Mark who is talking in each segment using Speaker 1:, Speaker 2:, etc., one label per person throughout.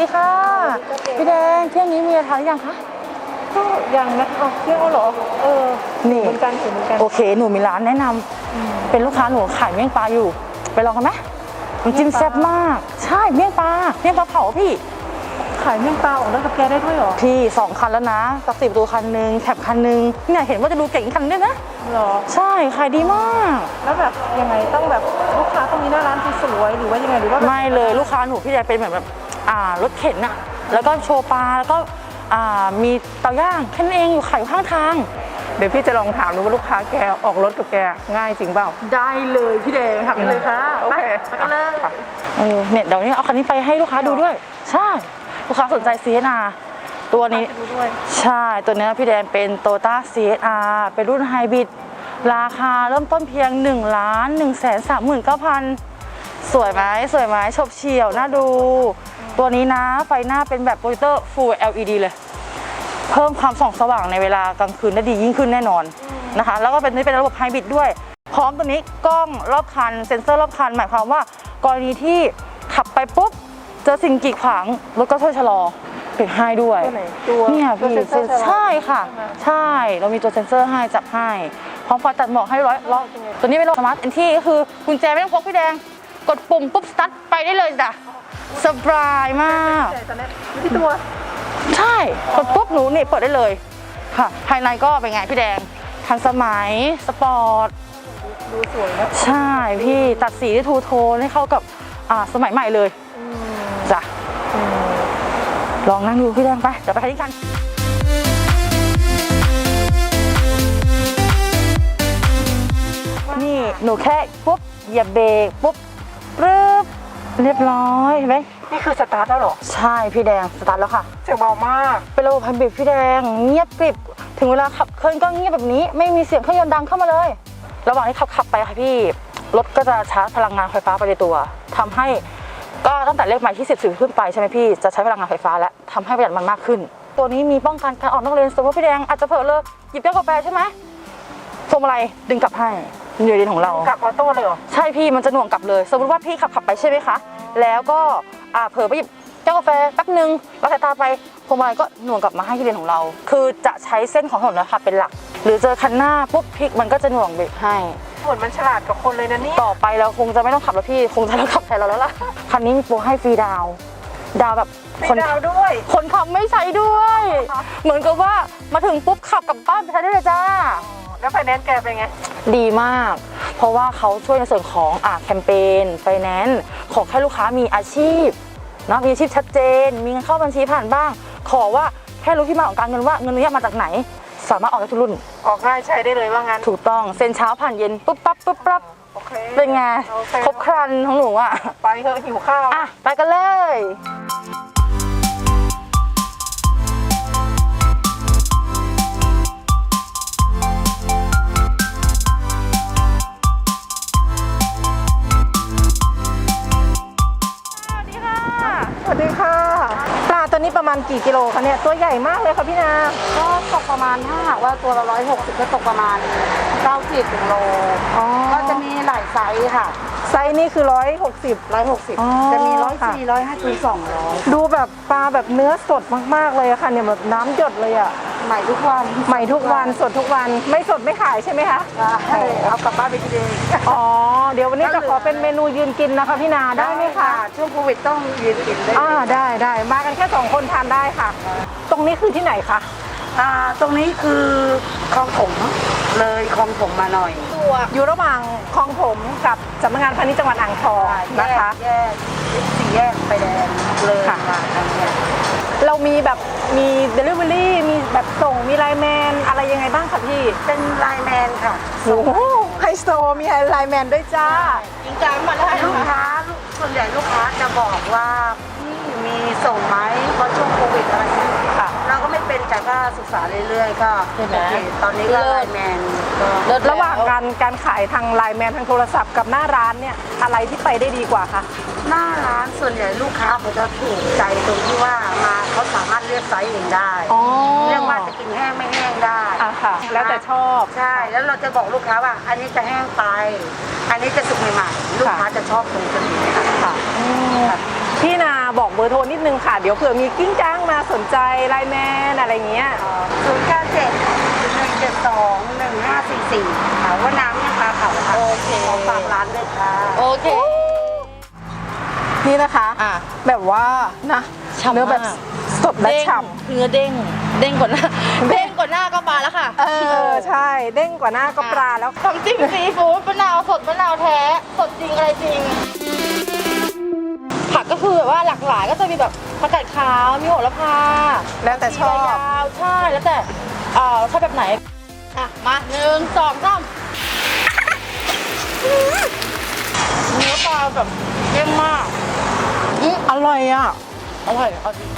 Speaker 1: ดีค่ะพี่แดงเที่ยงนี้มีอะไรทานหรือยังคะ
Speaker 2: ก็ยังนะเที่ยวเหรอ
Speaker 1: นี่
Speaker 2: เหมือนกันเหมือนกัน
Speaker 1: โอเคหนูมีร้านแนะนำเป็นลูกค้าหนูขายเมี่ยงปลาอยู่ไปลองกันไหมน้ำจิ้มแซ่บมากใช่เมี่ยงปลาเผาพี่
Speaker 2: ขายเมี่ยงปลาออกรถกับแกได้ด้วยเหรอ
Speaker 1: พี่2 คันแล้วนะตัก10 ประตูคันนึงแคปคันนึงเนี่ยเห็นว่าจะดูเก่งคันด้วยนะ
Speaker 2: หรอ
Speaker 1: ใช่ขายดีมาก
Speaker 2: แล้วแบบยังไงต้องแบบลูกค้าต้องมีหน้าร้านสวยหรือว่ายังไงหรือว่า
Speaker 1: ไม่เลยลูกค้าหนูพี่แดงเป็นเหมือนแบบรถเข็นอะแล้วก็โชว์ปลาแล้วก็มีเตาย่างแค่นั้นเองอยู่ขายข้างทาง
Speaker 2: เดี๋ยวพี่จะลองถามดูว่าลูกค้าแกออกรถกับแกง่ายจริงเปล่า
Speaker 1: ได้เลยพี่แดงทำเลยค่ะ
Speaker 2: โอเค
Speaker 1: ไปกันเลยเนี่ยเดี๋ยวนี้เอาคันนี้ไปให้ลูกค้าดูด้วยใช่ลูกค้าสนใจ CSR ตัวนี้ใช่ตัวนี้พี่แดงเป็น Toyota CSR เป็นรุ่นไฮบริดราคาเริ่มต้นเพียง 1,139,000 สวยไหมชบเฉี่ยวน่าดูตัวนี้นะไฟหน้าเป็นแบบโปรเจคเตอร์ Full LED เลยเพิ่มความส่องสว่างในเวลากลางคืนได้ดียิ่งขึ้นแน่นอนนะคะแล้วก็เป็นระบบไฮบริดด้วยพร้อมตัวนี้กล้องรอบคันเซ็นเซอร์รอบคันหมายความว่ากรณีที่ขับไปปุ๊บเจอสิ่งกีดขวางรถก็ช่วยชะลอปิดให้ด้วยเนี่ยพี่ใช่ค่ะใช่เรามีตัวเซ็นเซอร์ให้จับให้พร้อมไฟตัดหมอกให้ร้อยตัวนี้เป็นระบบสมาร์ทเอนทรีก็คือกุญแจไม่ต้องพกพี่แดงกดปุ่มปุ๊บสตาร์ทไปได้เลยจ้ะสบายมาก
Speaker 2: ที่ตัว
Speaker 1: ใช่กดปุ๊บหนูนี่เปิดได้เลยค่ะภายในก็เป็นไงพี่แดงทันสมัยสปอร์ต
Speaker 2: ดูสวยนะ
Speaker 1: ใช่พี่ตัดสีที่ทูโทนให้เข้ากับสมัยใหม่เลยจ้ะลองนั่งดูพี่แดงไปเดี๋ยวไปคันนี้กันนี่หนูแค่ปุ๊บเหยียบเบรกปุ๊บปึ๊บเรียบร้อยเห็นไหม
Speaker 2: นี่คือสตาร์ทแล้วหรอ
Speaker 1: ใช่พี่แดงสตาร์ทแล้วค่ะ
Speaker 2: เสียงเบามาก
Speaker 1: เป็นระบบไฮบริดพี่แดงเงียบกริบถึงเวลาขับเคลื่อนก็เงียบแบบนี้ไม่มีเสียงเครื่องยนต์ดังเข้ามาเลยระหว่างที่ขับไปค่ะพี่รถก็จะชาร์จพลังงานไฟฟ้าไปในตัวทำให้ก็ตั้งแต่เลขหมายที่10ขึ้นไปใช่ไหมพี่จะใช้พลังงานไฟฟ้าและทำให้ประหยัดมันมากขึ้นตัวนี้มีป้องกันการออกนอกเลนสมมติพี่แดงอาจจะเผลอเลยหยิบแก้วกาแฟใช่ไหมพวงมาลัยดึงกลับให้อยู่ในเลนของเรา
Speaker 2: กลับออโต้เลยเหรอ
Speaker 1: ใช่พี่มันจะหน่วงกลับเลยสมมติว่าพี่ขับไปใช่ไหมคะแล้วก็เผลอไปหยิบแก้วกาแฟแป๊บนึงเราสายตาไปพวงมาลัยก็หน่วงกลับมาให้ที่เลนของเราคือจะใช้เส้นของถนนนะคะเป็นหลักหรือเจอคันหน้าปุ๊บพลิกมันก็จะหน่วงเบรกให้
Speaker 2: เหมือนมันฉลาดกับคนเลยนะนี่
Speaker 1: ต่อไปเราคงจะไม่ต้องขับแล้วพี่คงจะต้องขับแทนเราแล้วล่ะคันนี้มีโปรให้ฟรีดาวแบบ
Speaker 2: คนดาวด้วย
Speaker 1: คนขับไม่ใช้ด้วยเหมือนกับว่ามาถึงปุ๊บขับกลับบ้านไปใช้ได้เลยจ้า
Speaker 2: แล้วไฟแนนซ์แกเป็นไง
Speaker 1: ดีมากเพราะว่าเขาช่วยในส่วนของแคมเปญไฟแนนซ์ขอแค่ลูกค้ามีอาชีพนะมีอาชีพชัดเจนมีเงินเข้าบัญชีผ่านบ้างขอว่าแค่รู้ที่มาของการเงินว่าเงินนี้มาจากไหนสามารถออกได้ทุกรุ่น
Speaker 2: ออกง่ายใช้ได้เลยว่างั้น
Speaker 1: ถูกต้องเซ็นเช้าผ่านเย็นปุ๊บปั๊บเป็นไงครบครันของหนู
Speaker 2: ไปเถอะหิวข้าว
Speaker 1: ไปกันเลย
Speaker 2: สวัสดีค่ะปลาตัวนี้ประมาณกี่กิโลคะเนี่ยตัวใหญ่มากเลยค่ะพี่นา
Speaker 1: ก็ตกประมาณถ้าหากว่าตัวละ160ก็ตกประมาณ90 ถึงโลก็จะมีหลายไซส์ค่ะ
Speaker 2: ไซส์นี้คือ160
Speaker 1: จะมี104 150 200
Speaker 2: ดูแบบปลาแบบเนื้อสดมากๆเลยค่ะเนี่ยแบบน้ำหยดเลย
Speaker 1: ใหม่ทุกวัน
Speaker 2: สดทุกวันไม่สดไม่ขายใช่ไหมคะ
Speaker 1: ใช่เอากลับบ้านไปกินเอง
Speaker 2: เดี๋ยววันนี้จะขอเป็นเมนูยืนกินนะคะพี่นาได้ไหมคะ
Speaker 1: ช่วงโควิดต้องยืนกิน
Speaker 2: ได้ได้มากันแค่2 คนทานได้ค่ะตรงนี้คือที่ไหนคะ
Speaker 1: ตรงนี้คือคลองผมเลยคลองผมมาหน่อย
Speaker 2: อยู่ระหว่างคลองผมกับสำนักงานพาณิชย์จังหวัดอ่างทองนะคะ
Speaker 1: 4 แยกไฟแดงเลยมาทางนี้
Speaker 2: เรามีแบบมี delivery มีแบบส่งมีไลน์แมนอะไรยังไงบ้างคะพี่
Speaker 1: เป็นไลน์แมนค่ะ
Speaker 2: โอ้โหไฮโซมีไลน์แมนด้วยจ้า
Speaker 1: จริงจังมาได้ลูกค้าส่วนใหญ่ลูกค้าจะบอกว่าพี่มีส่งไหมเพราะช่วงโควิดอะไรอย่างเงี้ยเราก็ไม่เป็นแต่ก็ศึกษาเรื่อยๆก็โอเคตอนนี้ก็ไลน์แมน
Speaker 2: ระหว่างการขายทางไลน์แมนทางโทรศัพท์กับหน้าร้านเนี่ยอะไรที่ไปได้ดีกว่าคะ
Speaker 1: หน้าร้านส่วนใหญ่ลูกค้าเขาจะถูกใจตรงที่ว่ามาเขาสามารถเลือกไซส์เองได้เลือกว่าจะกินแห้งไม่แห้งได้
Speaker 2: ค่ะแล้วแต่ชอบ
Speaker 1: ใช่แล้วเราจะบอกลูกค้าว่าอันนี้จะแห้งไปอันนี้จะสุกใหม่ๆลูกค้าจะชอบตรงนี้ค่ะ
Speaker 2: พี่นาบอกเบอร์โทรนิดนึงค่ะ เดี๋ยวเผื่อมีกิ้งจ้างมาสนใจไลน์แมนอะไรเงี้ย
Speaker 3: 097-172-1544ค่ะว่าน้ำยังปลาเผาค่ะ
Speaker 1: โอเค
Speaker 3: ขอฝากร้านด้วยค่ะ
Speaker 1: โอเค
Speaker 2: นี่นะคะ
Speaker 1: อ่ะ
Speaker 2: แบบว่านะ
Speaker 1: ฉ่ำมาก
Speaker 2: เนื้อแบบสดและ
Speaker 1: เด้ง
Speaker 2: ฉ่
Speaker 1: เนื้อเด้งเด้งกว่าหน้าเด้งกว่าหน้าก็ปลาแล้วค่ะ
Speaker 2: ำใช่เด้งกว่าหน้าก็ปลาแล้ว
Speaker 1: ทำจิ้มซีฟู้ดมะนาวสดมะนาวแท้สดจริงอะไรจริง ผักก็คือแบบว่าหลากหลายก็จะมีแบบผักกาดขาวมีโหระพา
Speaker 2: แล้วแต่ชอบ
Speaker 1: ยาวใช่แล้วแต่ชอบแบบไหนอ่ะมา1 2 3เนื้อปลาแบบเยี่ยมมาก
Speaker 2: อร่อยอ่ะ
Speaker 1: อร่อยเอาจริง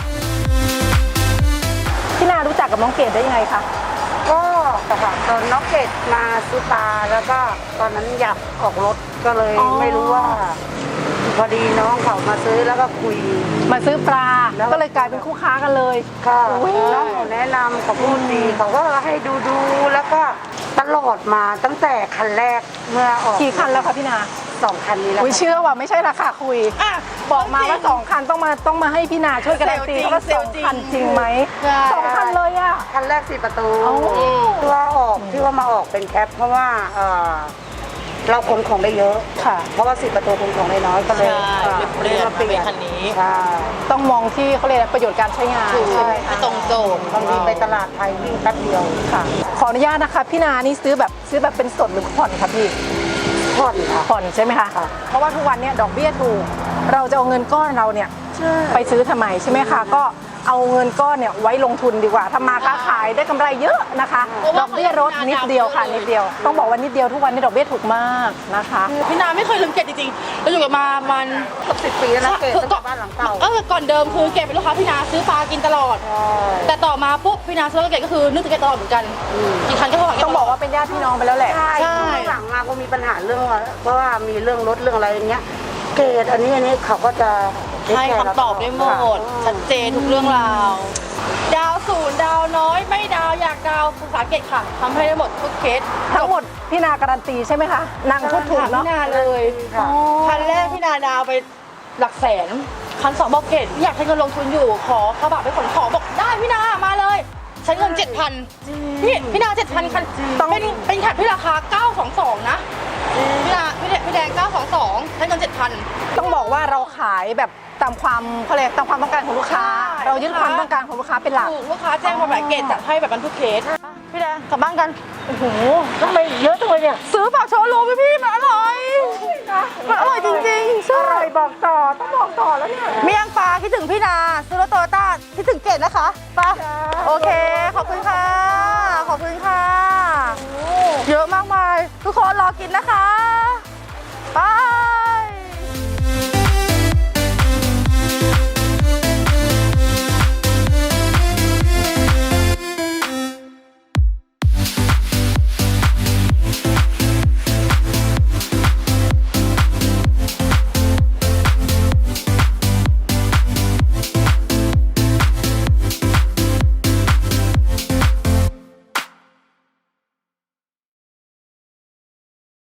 Speaker 2: พี่นารู้จักกับน้องเกดได้ยังไงคะ
Speaker 3: ก็ค่ะตอนน้องเกดมาซื้อปลาแล้วก็ตอนนั้นอยากออกรถก็เลย
Speaker 2: อ๋อ
Speaker 3: ไม่รู้ว่า พอดีน้องเขามาซื้อแล้วก็คุย
Speaker 2: มาซื้อปลา
Speaker 3: แล้ว
Speaker 2: ก็เลยกลายเป็นคู่ค้ากันเลย
Speaker 3: ค่ะ
Speaker 2: อุ๊ย
Speaker 3: น้องเขาแนะนำเขาพูดดีเขาก็ให้ดูแล้วก็ตลอดมาตั้งแต่คันแรกเมื่อออก
Speaker 2: กี่คันแล้วคะพี่นา
Speaker 3: 2 คันนี้แล้ว
Speaker 2: อุ้ย
Speaker 3: ค่ะ
Speaker 2: เชื่อว่าไม่ใช่ราคาคุย
Speaker 1: อ่ะ
Speaker 2: บอกมาว่า2 คันต้องมาให้พี่นาช่วยการันตีว่า
Speaker 1: เซลล์จริง
Speaker 2: 2 คันจริงไหม
Speaker 1: ใช่
Speaker 2: 2 คันเลยอ่ะ
Speaker 3: คันแรก4 ประตู
Speaker 2: อ๋อ
Speaker 3: ที่ว่ามาออกเป็นแคปเพราะว่าเราขนของได้เยอะ
Speaker 2: ค่ะ
Speaker 3: เพราะว่า10 ประตูขนของได้น้อยก็เลย
Speaker 1: ใช่เปลี่ยนมาเป็นคันนี้
Speaker 3: ใช่
Speaker 2: ต้องมองที่เขาเรียกอะไรประโยชน์การใช้งาน
Speaker 1: ถูก
Speaker 2: ใช่ไหม
Speaker 1: ให้
Speaker 2: คะ
Speaker 1: ตรงโจทย์
Speaker 3: บางทีไปตลาดไทยวิ่งแป๊บเดียว
Speaker 2: ค่ะ ขออนุญาตนะคะพี่นานี่ซื้อแบบเป็นสดหรือผ่อนคะพี่
Speaker 3: ผ่อนค่ะ
Speaker 2: ผ่อนใช่ไหมคะ
Speaker 3: ค่ะ
Speaker 2: เพราะว่าทุกวันเนี้ดอกเบี้ยถูก เราจะเอาเงินก้อนเราเนี่ยไปซื้อทำไมใช่ไหมคะ ก็เอาเงินก้อนเนี่ยไว้ลงทุนดีกว่าทำมาค้าขายได้กำไรเยอะนะคะ ดอกเบี้ยลดนิดเดียวค่ะนิดเดียว ต้องบอกว่านิดเดียวทุกวันนี้ดอกเบี้ยถูกมากนะคะ
Speaker 1: พี่นาไม่เคยลืมเกตจริงๆเราอยู่กันมามัน
Speaker 3: เกือบ10 ปีแล้วนะเกดตั้งแต่บ้านหลังเก่า
Speaker 1: ก่อนเดิมคือเกตเป็นลูกค้าพี่นาซื้อปลากินตลอด
Speaker 3: ใช่
Speaker 1: แต่ต่อมาปุ๊บพี่นาซื้อเกตก็คือนึกถึงเกตตลอดเหมือนกันกี่คันก็โทรหาเกต
Speaker 2: ต้องบอกว่าเป็นญาติพี่น้องไปแล้วแหละ
Speaker 3: ใช่ช่วงหลังมาก็มีปัญหาเรื่องว่าเพราะว่ามีเรื่องรถเรื่องอะไรอย่างเงี้ย เกดอันนี้เขาก็จะ
Speaker 1: ให้คำตอบได้หมดชัดเจนทุกเรื่องราวดาวศูนย์ดาวน้อยไม่ดาวอยากดาวภาษาเกตค่ะทำให้ได้หมดทุกเคส
Speaker 2: ทั้งหมดพี่นาการันตีใช่ไหมคะนางพูดถูกเนาะ
Speaker 1: พี่นาเลย
Speaker 3: ค่ะ
Speaker 1: คันแรกพี่นาดาวไปหลักแสนคัน2บอกเกตอยากใช้เงินลงทุนอยู่ขอกระบะไปขนของบอกได้พี่นามาเลยใช้เงิน 7,000พี่นา 7,000 คันเป็นแคปที่ราคา 922 นะพี่แดง 922 ใช้เงิน 7,000
Speaker 2: ต้องบอกว่าเราขายแบบตามความเขาเรียกตามความต้องการของลูกค้า
Speaker 1: ใช่
Speaker 2: เรายึดความต้องการของลูกค้าเป็นหลัก
Speaker 1: ถูกลูกค้าแจ้งมาแบบเกตจัดให้แบบนั้นทุกเคสพี่แดงกลับบ้านกัน
Speaker 2: โอ้โหทำไมเยอะจังเลยเนี่ย
Speaker 1: ซื้อฝากโชว์รูมพี่มันอร่อยมันอร่อยจริงๆใช่
Speaker 2: อร่อยบอกต่อต้องบอกต่อแล้วเนี่ย
Speaker 1: เมี่ยงปลาคิดถึงพี่นาซื้อรถโตโยต้าคิดถึงเกตนะคะไปะ
Speaker 2: จ้า
Speaker 1: โอเค ขอบคุณค่ะ ขอบคุณค่ะ เยอะมากมาย ทุกคนรอกินนะคะ